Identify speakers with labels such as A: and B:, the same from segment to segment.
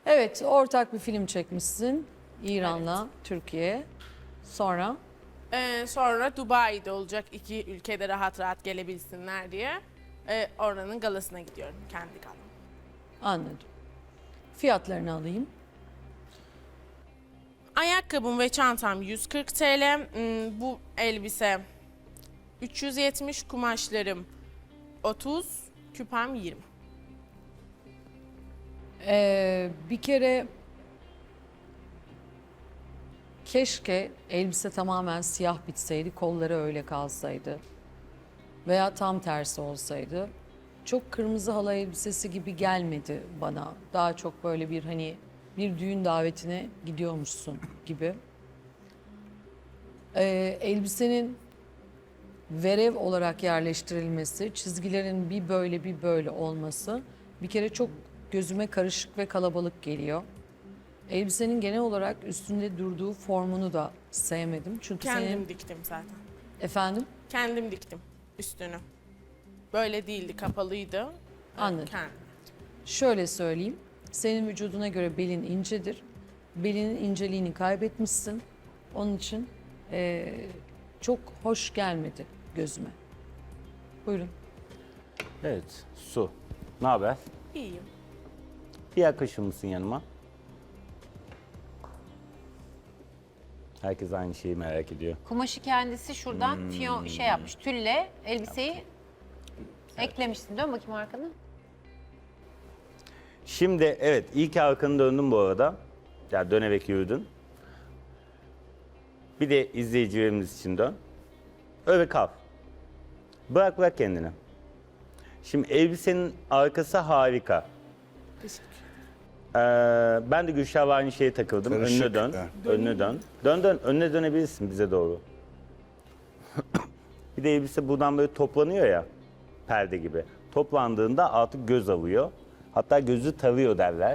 A: Evet, ortak bir film çekmişsin. İran'la Türkiye. Sonra
B: Sonra Dubai'de olacak, iki ülkede rahat rahat gelebilsinler diye. Oranın galasına gidiyorum, kendi galam.
A: anladım. Fiyatlarını alayım.
B: Ayakkabım ve çantam 140 TL. Bu elbise 370, kumaşlarım 30, küpem 20.
A: Bir kere keşke elbise tamamen siyah bitseydi, kolları öyle kalsaydı. Veya tam tersi olsaydı. Çok kırmızı halı elbisesi gibi gelmedi bana. Daha çok böyle bir hani bir düğün davetine gidiyormuşsun gibi. Elbisenin verev olarak yerleştirilmesi, çizgilerin bir böyle bir böyle olması bir kere çok gözüme karışık ve kalabalık geliyor. Elbisenin genel olarak üstünde durduğu formunu da sevmedim. Çünkü
B: Kendim
A: senin...
B: diktim zaten.
A: Efendim?
B: Kendim diktim üstünü. Böyle değildi, kapalıydı.
A: Anladım.
B: Kendim.
A: Şöyle söyleyeyim. Senin vücuduna göre belin incedir. Belinin inceliğini kaybetmişsin. Onun için çok hoş gelmedi gözüme. Buyurun.
C: Evet, Su. Ne haber?
B: İyiyim.
C: Bir yaklaşır mısın yanıma? Herkes aynı şeyi merak ediyor.
D: Kumaşı kendisi şuradan fiyon şey yapmış. Tülle elbiseyi eklemişsin. Dön bakayım arkanı.
C: Şimdi evet, ilk arkanı döndün bu arada. Ya dönerek yürüdün. Bir de izleyicilerimiz için dön. Öyle kal. Bırak kendini. Şimdi elbisenin arkası harika.
B: Teşekkür.
C: Ben de Gülşah'la aynı şeye takıldım.
E: Karışık,
C: Önüne dön.
E: ha.
C: Önüne dön. Dön. Önüne dönebilirsin bize doğru. Bir de elbise buradan böyle toplanıyor ya. Perde gibi. Toplandığında artık göz alıyor. Hatta gözü tarıyor derler.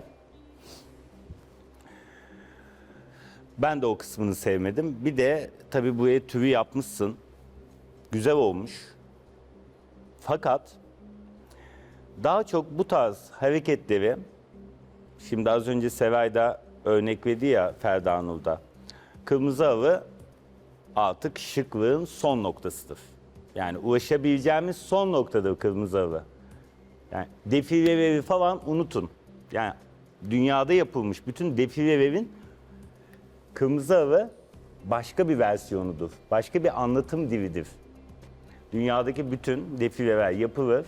C: Ben de o kısmını sevmedim. Bir de tabii buraya tüvü yapmışsın. Güzel olmuş. Fakat daha çok bu tarz hareketleri, şimdi az önce Seray da örnek verdi ya Ferda Nur'da. Kırmızı halı artık şıklığın son noktasıdır. Yani ulaşabileceğimiz son noktadır kırmızı halı. Yani defileleri falan unutun. Yani dünyada yapılmış bütün defilelerin kırmızı halı başka bir versiyonudur. Başka bir anlatım dilidir. Dünyadaki bütün defileler yapılır.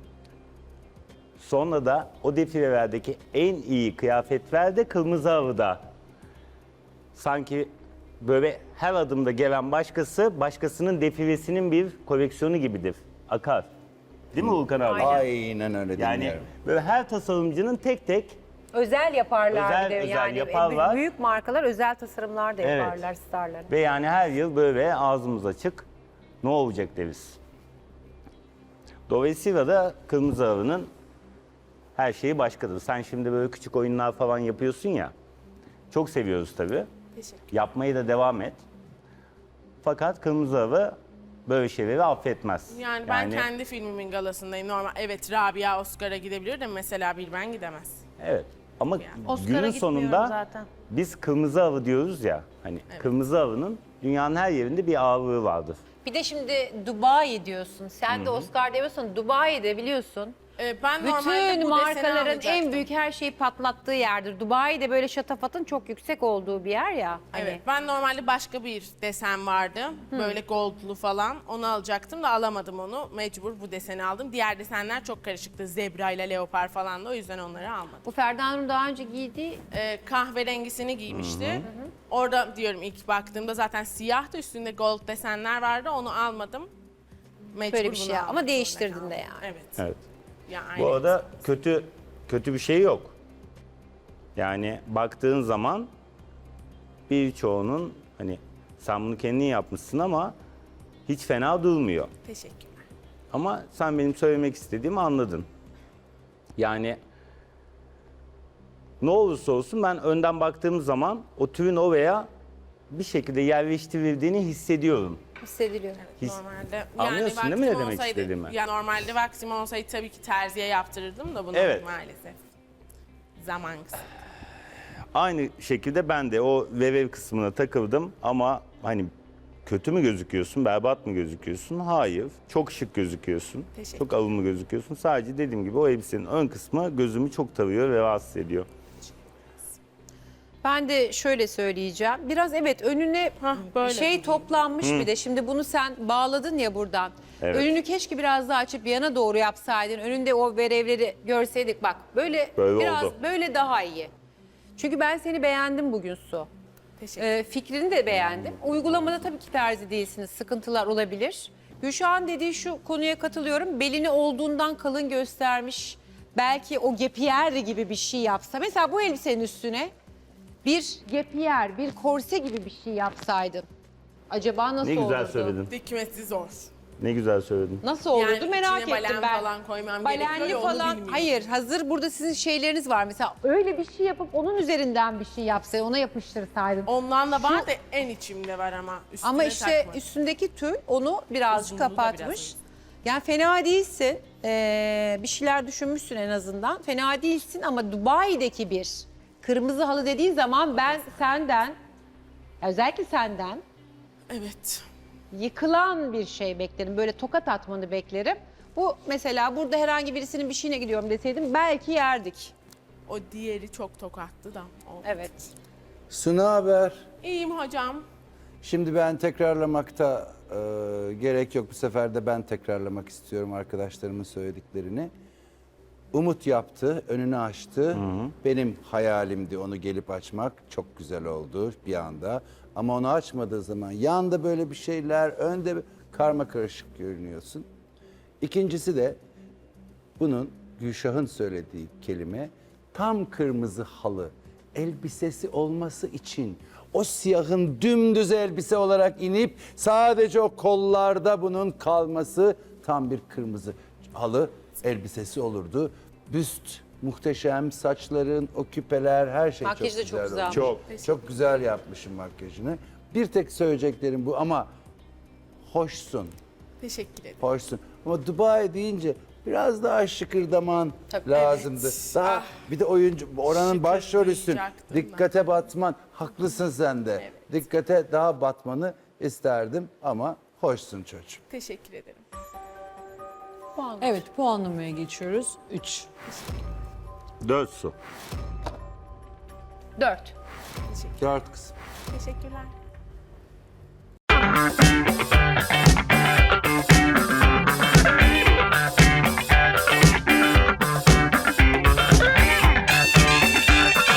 C: Sonra da o defilelerdeki en iyi kıyafetler de kırmızı halıda. Sanki böyle her adımda gelen başkası, başkasının defilesinin bir koleksiyonu gibidir. Akar. Değil mi Volkan abi?
E: Aynen öyle
C: Yani
E: dinliyorum.
C: böyle her tasarımcının tek tek
D: Özel yaparlar
C: Özel-
D: bir de
C: özel
D: yani.
C: yaparlar.
D: Büyük markalar özel tasarımlar da
C: Evet.
D: yaparlar starlara.
C: ve yani her yıl böyle ağzımız açık ne olacak deriz. Dolayısıyla da kırmızı halının her şeyi başkadır. Sen şimdi böyle küçük oyunlar falan yapıyorsun ya. Çok seviyoruz tabii.
B: Teşekkür.
C: Yapmaya da devam et. Fakat kırmızı halı böyle şeyleri affetmez.
B: Yani ben kendi filmimin galasındayım. Normal, evet Rabia Oscar'a gidebilir de mesela bir ben gidemez.
C: Evet. Ama
D: Oscar'a
C: günün
D: gitmiyorum
C: sonunda
D: zaten.
C: biz kırmızı halı diyoruz ya. Hani kırmızı halının dünyanın her yerinde bir ağırlığı vardır.
D: Bir de şimdi Dubai diyorsun. Sen de Oscar demiyorsun. Dubai'de biliyorsun.
B: Ben normalde
D: Bütün
B: bu deseni
D: markaların en
B: alacaktım.
D: büyük her şeyi patlattığı yerdir. Dubai'de böyle şatafatın çok yüksek olduğu bir yer ya. Hani.
B: Evet, ben normalde başka bir desen vardı. Böyle goldlu falan. Onu alacaktım da alamadım onu. Mecbur bu deseni aldım. Diğer desenler çok karışıktı. Zebra ile leopar falan da, o yüzden onları almadım.
D: Bu Ferda Nur'un daha önce giydiği
B: Kahverengisini giymişti. Orada diyorum ilk baktığımda zaten siyahtı. Üstünde gold desenler vardı. Onu almadım. Mecbur
D: böyle bir
B: bunu
D: şey
B: almak
D: ama
B: zorunda
D: değiştirdin
B: kaldım.
D: de yani.
B: Evet.
C: Evet.
B: Ya,
C: Bu
B: aynen.
C: arada kötü bir şey yok. Yani baktığın zaman birçoğunun hani sen bunu kendin yapmışsın ama hiç fena durmuyor.
B: Teşekkürler.
C: Ama sen benim söylemek istediğimi anladın. Yani ne olursa olsun ben önden baktığım zaman o tüyün oraya bir şekilde yerleştirildiğini hissediyorum.
D: Hissediliyor.
B: Normalde
C: Anlıyorsun değil mi ne
B: vaktim
C: demek
B: olsaydı-
C: istediğimi?
B: Ya normalde vaktim olsaydı tabii ki terziye yaptırırdım da bunu
C: Evet.
B: maalesef zaman kısıtlı.
C: Aynı şekilde ben de o vev kısmına takıldım ama hani kötü mü gözüküyorsun, berbat mı gözüküyorsun? Hayır. Çok şık gözüküyorsun.
B: Teşekkür.
C: Çok alımlı gözüküyorsun. Sadece dediğim gibi o elbisenin ön kısmı gözümü çok tarıyor ve rahatsız ediyor.
D: Ben de şöyle söyleyeceğim. Biraz evet önüne
B: böyle
D: şey
B: diyeyim.
D: toplanmış bir de. Şimdi bunu sen bağladın ya buradan.
C: Evet.
D: Önünü keşke biraz daha açıp yana doğru yapsaydın. Önünde o verevleri görseydik. Bak böyle biraz
C: oldu.
D: böyle daha iyi. Çünkü ben seni beğendim bugün Su.
B: Teşekkür.
D: Fikrini de beğendim. Uygulamada tabii ki terzi değilsiniz. Sıkıntılar olabilir. Gülşah'ın dediği şu konuya katılıyorum. Belini olduğundan kalın göstermiş. Belki o gepiyer gibi bir şey yapsa. Mesela bu elbisenin üstüne bir gepiyer, bir korse gibi bir şey yapsaydın. Acaba nasıl
C: Ne güzel
D: olurdu?
C: söyledin.
B: Dikmesi zor.
C: Ne güzel söyledin.
D: Nasıl olurdu
B: Yani
D: merak
B: içine
D: ettim
B: balen
D: ben.
B: falan koymam gerekiyor
D: Balenli
B: ya, onu
D: falan.
B: bilmiyorum.
D: Hayır, hazır burada sizin şeyleriniz var. Mesela öyle bir şey yapıp onun üzerinden bir şey yapsa, ona yapıştırsaydın.
B: Ondan da var da en içimde var ama üstüne
D: Ama işte
B: takma.
D: üstündeki tül onu birazcık
B: Uzunluğu da
D: kapatmış.
B: biraz
D: Yani fena değilsin. Bir şeyler düşünmüşsün en azından. Fena değilsin ama Dubai'deki bir kırmızı halı dediğin zaman ben senden, özellikle senden
B: Evet.
D: yıkılan bir şey beklerim. Böyle tokat atmanı beklerim. Bu mesela burada herhangi birisinin bir şeyine gidiyorum deseydim belki yerdik.
B: O diğeri çok tokattı da. O.
D: Evet.
E: Suna haber.
B: İyiyim hocam.
E: Şimdi ben tekrarlamakta gerek yok. Bu sefer de ben tekrarlamak istiyorum arkadaşlarımın söylediklerini. Umut yaptı, önünü açtı. Benim hayalimdi onu gelip açmak. Çok güzel oldu bir anda. Ama onu açmadığı zaman yanda böyle bir şeyler, önde karma karışık görünüyorsun. İkincisi de bunun Gülşah'ın söylediği kelime tam kırmızı halı elbisesi olması için o siyahın dümdüz elbise olarak inip sadece o kollarda bunun kalması tam bir kırmızı halı elbisesi olurdu. Büst muhteşem, saçların, o küpeler her şey
D: Makyajı da
E: çok
D: çok
E: güzel olmuş.
D: güzelmiş.
E: Çok güzel yapmışım makyajını. Bir tek söyleyeceklerim bu ama hoşsun.
B: Teşekkür ederim.
E: Hoşsun. Ama Dubai deyince biraz daha şıkırdaman
D: Tabii.
E: lazımdı.
B: Evet.
E: Daha
B: Ah.
E: bir de oyuncu oranın başrolüsün.
B: Şıkırdayacaktım
E: Dikkate batman. Haklısın sen de.
B: Evet.
E: Dikkate daha batmanı isterdim ama hoşsun çocuğum.
B: Teşekkür ederim.
A: Evet, puanlamaya geçiyoruz. 3.
C: 4 su.
D: 4.
E: Dört kızım.
B: Teşekkürler.